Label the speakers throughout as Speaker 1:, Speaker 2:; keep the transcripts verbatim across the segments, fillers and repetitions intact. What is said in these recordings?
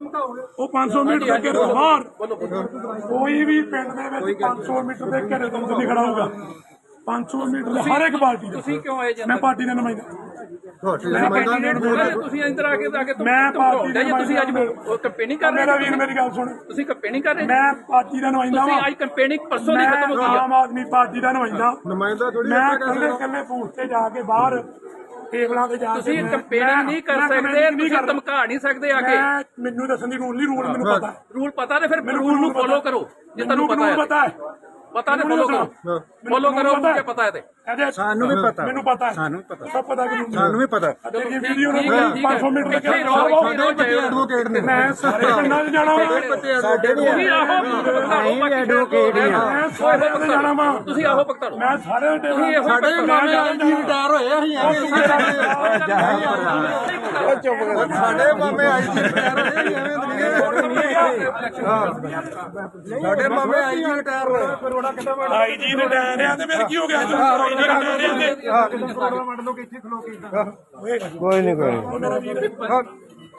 Speaker 1: ਉਹ ਪੰਜ ਸੌ ਮੀਟਰ ਦੇ ਘੇਰੇ ਤੋਂ ਬਾਹਰ ਕੋਈ ਵੀ ਪਿੰਡ ਦੇ ਵਿੱਚ ਪੰਜ ਸੌ ਮੀਟਰ ਦੇ ਘੇਰੇ ਤੋਂ ਨਹੀਂ ਖੜਾ ਹੋਊਗਾ। ਪੰਜ ਸੌ ਮੀਟਰ ਦੇ ਹਰ ਇੱਕ ਪਾਰਟੀ ਦਾ।
Speaker 2: ਤੁਸੀਂ ਕਿਉਂ ਆਏ ਜੀ?
Speaker 1: ਮੈਂ ਪਾਰਟੀ ਦਾ ਨੁਮਾਇੰਦਾ।
Speaker 2: ਤੁਸੀਂ ਇੰਦਰ ਆ ਕੇ ਆ ਕੇ
Speaker 1: ਮੈਂ ਪਾਰਟੀ ਦਾ
Speaker 2: ਤੁਸੀਂ ਅੱਜ ਕੰਪੇਨਿੰਗ ਕਰ ਰਹੇ
Speaker 1: ਮੇਰਾ ਵੀਰ ਮੇਰੀ ਗੱਲ ਸੁਣ,
Speaker 2: ਤੁਸੀਂ ਕੰਪੇਨਿੰਗ ਕਰ ਰਹੇ
Speaker 1: ਮੈਂ ਪਾਰਟੀ ਦਾ ਨੁਮਾਇੰਦਾ
Speaker 2: ਤੁਸੀਂ
Speaker 1: ਵਾਂ।
Speaker 2: ਅੱਜ ਕੰਪੇਨਿੰਗ ਪਰਸੋਂ ਦੀ ਖਤਮ ਹੋ ਗਈ
Speaker 1: ਆਮ ਆਦਮੀ ਪਾਰਟੀ ਦਾ ਨੁਮਾਇੰਦਾ
Speaker 3: ਨੁਮਾਇੰਦਾ ਥੋੜੀ
Speaker 1: ਮੈਂ ਇਕੱਲੇ ਇਕੱਲੇ ਬੂਥ ਤੇ ਜਾ ਕੇ ਬਾਹਰ ਟੇਬਲਾਂ ਤੇ ਜਾ ਕੇ
Speaker 2: ਤੁਸੀਂ ਕੰਪੇਨਿੰਗ ਨਹੀਂ ਕਰ ਸਕਦੇ, ਤੁਸੀਂ ਧਮਕਾ ਨਹੀਂ ਸਕਦੇ ਆ ਕੇ।
Speaker 1: ਮੈਂ ਮੈਨੂੰ ਦੱਸਣ ਦੀ ਰੂਲ ਨਹੀਂ, ਰੂਲ ਮੈਨੂੰ ਪਤਾ।
Speaker 2: ਰੂਲ ਪਤਾ ਤੇ ਫਿਰ ਰੂਲ ਨੂੰ ਫੋਲੋ ਕਰੋ ਜੇ ਤੁਹਾਨੂੰ ਪਤਾ ਹੈ। ਪਤਾ ਤੇ ਫੋਲੋ ਕਰੋ, ਫੋਲੋ ਕਰੋ ਕਿ ਪਤਾ ਹੈ ਤੇ
Speaker 3: ਸਾਨੂੰ ਵੀ ਪਤਾ,
Speaker 1: ਮੈਨੂੰ ਪਤਾ ਹੈ,
Speaker 3: ਸਾਨੂੰ ਪਤਾ,
Speaker 1: ਸਭ ਪਤਾ ਕਿ
Speaker 3: ਸਾਨੂੰ ਵੀ ਪਤਾ।
Speaker 1: ਇਹ ਵੀਡੀਓ ਨੂੰ ਪੰਜ ਸੌ ਮੀਟਰ ਤੱਕ
Speaker 3: ਐਡਵੋਕੇਟ ਨੇ
Speaker 1: ਮੈਂ ਸਾਰੇ ਪਿੰਡਾਂ 'ਚ ਜਾਣਾ
Speaker 3: ਸਾਡੇ ਵੀ
Speaker 2: ਐਡਵੋਕੇਟ
Speaker 1: ਮੈਂ ਸਾਰੇ ਪਿੰਡਾਂ ਜਾਣਾ ਵਾ।
Speaker 2: ਤੁਸੀਂ ਆਹੋ ਭਗਤਾ ਲਓ।
Speaker 1: ਮੈਂ ਸਾਰੇ ਟੇਬਲ
Speaker 3: ਸਾਡੇ ਮਾਮੇ ਆਈ ਜੀ ਰਿਟਾਇਰ ਹੋਏ ਅਸੀਂ ਐਵੇਂ ਚੁੱਪ ਕਰ। ਸਾਡੇ ਮਾਮੇ ਆਈ ਜੀ ਰਿਟਾਇਰ ਹੋਏ ਐਵੇਂ ਸਾਡੇ ਮਾਮੇ ਆਈ ਜੀ ਰਿਟਾਇਰ ਹੋਏ।
Speaker 1: ਆਈ ਜੀ ਰਿਟਾਇਰ ਆ ਤੇ ਫਿਰ ਕੀ ਹੋ ਗਿਆ? ਆਈ ਜੀ ਰਿਟਾਇਰ ਆ ਤੇ
Speaker 3: ਕੋਈ ਨਹੀਂ ਕੋਈ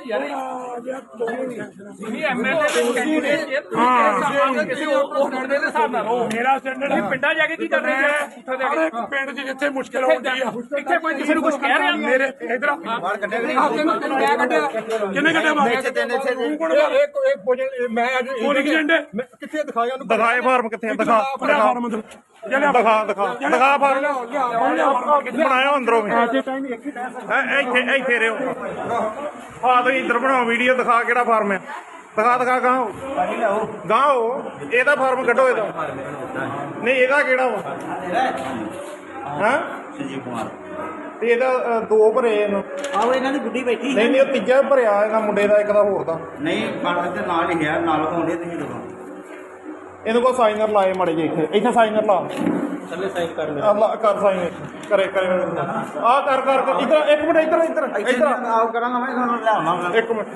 Speaker 2: ਤੁਸੀਂ ਐਮਐਲਏ ਦੇ ਕੈਂਡੀਡੇਟ ਜੇ ਤੁਸੀਂ ਕਿਸੇ ਹੋਰ ਦੇ ਹਿਸਾਬ ਨਾਲ ਰਹੋ।
Speaker 1: ਮੇਰਾ ਸਟੈਂਡਰਡ ਹੈ।
Speaker 2: ਪਿੰਡਾਂ ਜਾ ਕੇ ਕੀ ਕਰ ਰਹੇ ਹੋ?
Speaker 1: ਹਰ ਇੱਕ ਪਿੰਡ 'ਚ ਜਿੱਥੇ ਮੁਸ਼ਕਲ ਆਉਂਦੀ ਆ
Speaker 2: ਇੱਥੇ ਕੋਈ ਕਿਸੇ ਨੂੰ ਕੁਝ ਕਹਿ ਰਿਹਾ?
Speaker 1: ਮੇਰੇ ਇਧਰ
Speaker 2: ਮੈਂ ਕੱਢਿਆ
Speaker 1: ਕਿੰਨੇ ਕੱਢਿਆ ਬਾਹਰ? ਤੂੰ ਕੋਣ ਬਾਹਰ?
Speaker 3: ਮੈਂ ਅੱਜ
Speaker 1: ਪੋਲਿੰਗ ਏਜੰਟ
Speaker 3: ਕਿੱਥੇ ਦਿਖਾਇਆ ਉਹਨੂੰ?
Speaker 4: ਦਿਖਾਏ ਫਾਰਮ ਕਿੱਥੇ? ਦਿਖਾ
Speaker 1: ਫਾਰਮ ਅੰਦਰ
Speaker 4: ਦਿਖਾ ਦਿਖਾ ਦਿਖਾ ਫਾਰਮ ਬਣਾਇਆ ਅੰਦਰੋਂ ਵੀ। ਹੈਂ, ਇੱਥੇ ਇੱਥੇ ਰਿਓ ਆ ਤੁਸੀਂ ਇੱਧਰ ਬਣਾਓ ਵੀਡੀਓ। ਦਿਖਾ ਕਿਹੜਾ ਫਾਰਮ ਹੈ? ਦਿਖਾ ਦਿਖਾ ਗਾਓ ਗਾਓ ਇਹਦਾ ਫਾਰਮ ਕੱਢੋ। ਇਹਦਾ ਨਹੀਂ, ਇਹਦਾ ਕਿਹੜਾ ਵਾ? ਹਾਂ
Speaker 5: ਸੰਜੀਵ ਕੁਮਾਰ
Speaker 4: ਤੇ ਇਹਦਾ ਅ, ਦੋ ਭਰੇ ਇਹਨੂੰ।
Speaker 5: ਆਹੋ ਇਹਨਾਂ ਦੀ ਗੁੱਡੀ ਬੈਠੀ
Speaker 4: ਨਹੀਂ ਨਹੀਂ, ਉਹ ਤੀਜਾ ਭਰਿਆ ਇਹਨਾਂ ਮੁੰਡੇ ਦਾ, ਇੱਕ ਦਾ ਹੋਰ ਦਾ।
Speaker 5: ਨਹੀਂ ਕਾਗਜ਼ ਦੇ ਨਾਲ ਹੀ ਹੈ, ਨਾਲ ਹੋਣੇ ਤੁਸੀਂ ਦੇਖੋ।
Speaker 4: ਇਹਨੂੰ ਕੋ ਸਾਈਨਰ ਲਾਏ ਮੜੇ ਜੇ ਇੱਥੇ ਇੱਥੇ ਸਾਈਨਰ ਲਾ
Speaker 5: ਥੱਲੇ ਸਾਈਨ ਕਰ ਲੈ।
Speaker 4: ਅੱਲਾ ਕਰ ਸਾਈਨ ਕਰੇ ਕਰੇ ਆ ਕਰ ਕਰ ਕਰ ਇੱਧਰ ਇੱਕ ਮਿੰਟ ਇੱਧਰ ਇੱਧਰ ਇੱਧਰ
Speaker 5: ਆਓ ਕਰਾਂਗਾ ਮੈਂ ਤੁਹਾਨੂੰ ਲਿਆਵਾਂਗਾ।
Speaker 4: ਇੱਕ ਮਿੰਟ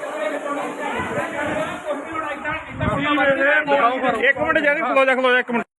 Speaker 4: ਇੱਕ ਮਿੰਟ ਜਾਨੀ ਖਲੋ ਜਾ ਖਲੋ ਜਾ ਇੱਕ ਮਿੰਟ।